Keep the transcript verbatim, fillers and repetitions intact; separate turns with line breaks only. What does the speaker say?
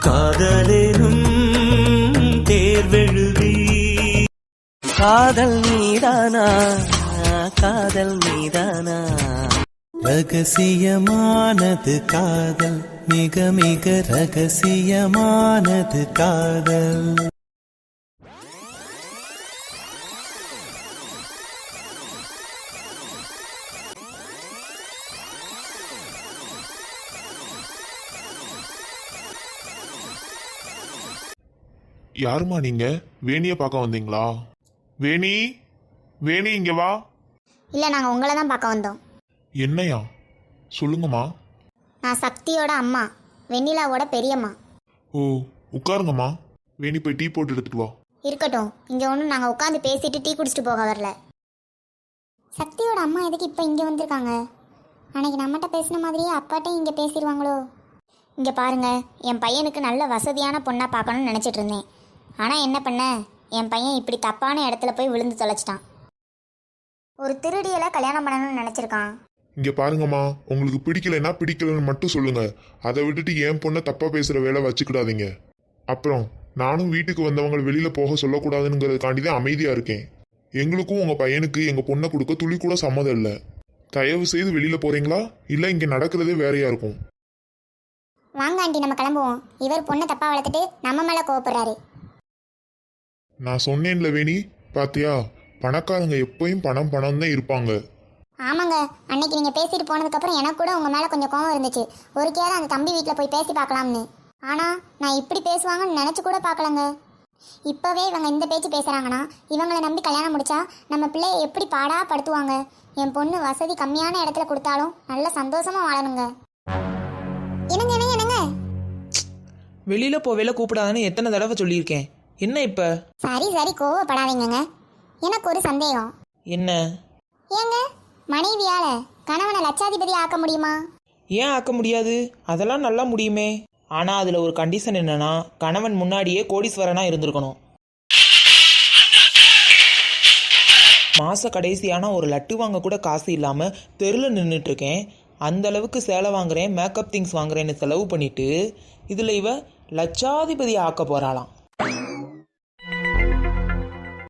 காதலேனும் தேர்வெழுதி காதல் மீதானா காதல் மீதானா ரகசியமானது காதல் மிக மிக ரகசியமானது காதல்.
யாருமா நீங்க? வேணிய பார்க்க வந்தீங்களா? வேணி, வேணி இங்க வா.
இல்லை, நாங்கள் உங்களை தான் பார்க்க வந்தோம்.
என்னையா? சொல்லுங்கம்மா.
நான் சக்தியோட அம்மா, வெண்ணிலாவோட பெரியம்மா.
ஓ, உட்காருங்கம்மா. வேணி போய் டீ போட்டு எடுத்துட்டு வா.
இருக்கட்டும், இங்கே ஒன்றும் நாங்கள் உட்காந்து பேசிட்டு டீ குடிச்சிட்டு போக வரல. சக்தியோட அம்மா எதுக்கு இப்போ இங்கே வந்திருக்காங்க? அன்னைக்கு நம்மகிட்ட பேசின மாதிரியே அப்பாட்டையும் இங்கே பேசிடுவாங்களோ? இங்கே பாருங்க, என் பையனுக்கு நல்ல வசதியான பொண்ணாக பார்க்கணும்னு நினச்சிட்டு இருந்தேன். ஆனால் என்ன பண்ண, என் பையன் இப்படி தப்பான இடத்துல போய் விழுந்து தொலைச்சிட்டான். ஒரு திருடியலை கல்யாணம் பண்ணணும்னு நினச்சிருக்கான்.
இங்க பாருங்கம்மா, உங்களுக்கு பிடிக்கலைன்னா பிடிக்கலன்னு மட்டும் சொல்லுங்க. அதை விட்டுட்டு என் பொண்ணை தப்பா பேசுற வேலை வச்சுக்கிடாதீங்க. அப்புறம் நானும் வீட்டுக்கு வந்தவங்க வெளியில போக சொல்லக்கூடாதுங்கிறதுக்காண்டி தான் அமைதியா இருக்கேன். எங்களுக்கும் உங்க பையனுக்கு எங்க பொண்ணை கொடுக்க துளி கூட சம்மதம் இல்லை. தயவு செய்து வெளியில போறீங்களா, இல்லை இங்க நடக்கிறதே வேறையா இருக்கும்.
வாங்க ஆண்டி, நம்ம கிளம்புவோம். இவர் பொண்ணை தப்பா வளர்த்துட்டு நம்ம மேல கோவப்படுறாரு.
நான் சொன்னேன்ல வேணி, பாத்தியா, பணக்காரங்க எப்பயும் பணம் பணம் தான் இருப்பாங்க.
ஆமாங்க, அன்னைக்கு நீங்க பேசிட்டு போனதுக்கு அப்புறம் எனக்கு கூட உங்க மேல கொஞ்சம் கோவம் இருந்துச்சு. ஒரு கேரம் அந்த தம்பி வீட்டில் போய் பேசி பார்க்கலாம்னு. ஆனா நான் இப்படி பேசுவாங்கன்னு நினைச்சு கூட பார்க்கலங்க. இப்பவே இவங்க இந்த பேச்சு பேசுறாங்கன்னா இவங்களை நம்பி கல்யாணம் முடிச்சா நம்ம பிள்ளைய எப்படி பாடா படுத்துவாங்க. என் பொண்ணு வசதி கம்மியான இடத்துல கொடுத்தாலும் நல்ல சந்தோஷமா வாழணுங்க. என்னங்க என்னங்க என்னங்க
வெளியில போவேல கூப்பிடாதான்னு எத்தனை தடவை சொல்லியிருக்கேன். என்ன இப்ப?
சரி சரி, கோவப்படாதீங்க. எனக்கு ஒரு சந்தேகம்.
என்ன?
ஏங்க, மனைவியால கணவனை லட்சாதிபதி ஆக்க முடியுமா?
ஏன் ஆக்க முடியாது? அதெல்லாம் நல்லா முடியுமே. ஆனா அதுல ஒரு கண்டிஷன் என்னன்னா, கணவன் முன்னாடியே கோடீஸ்வரனா இருந்திருக்கணும். மாச கடைசியான ஒரு லட்டு வாங்க கூட காசு இல்லாம தெருல நின்றுட்டு இருக்கேன். அந்த அளவுக்கு சேலை வாங்குறேன், மேக்கப் திங்ஸ் வாங்குறேன்னு செலவு பண்ணிட்டு இதுல இவ லட்சாதிபதி ஆக்க போறாளாம்.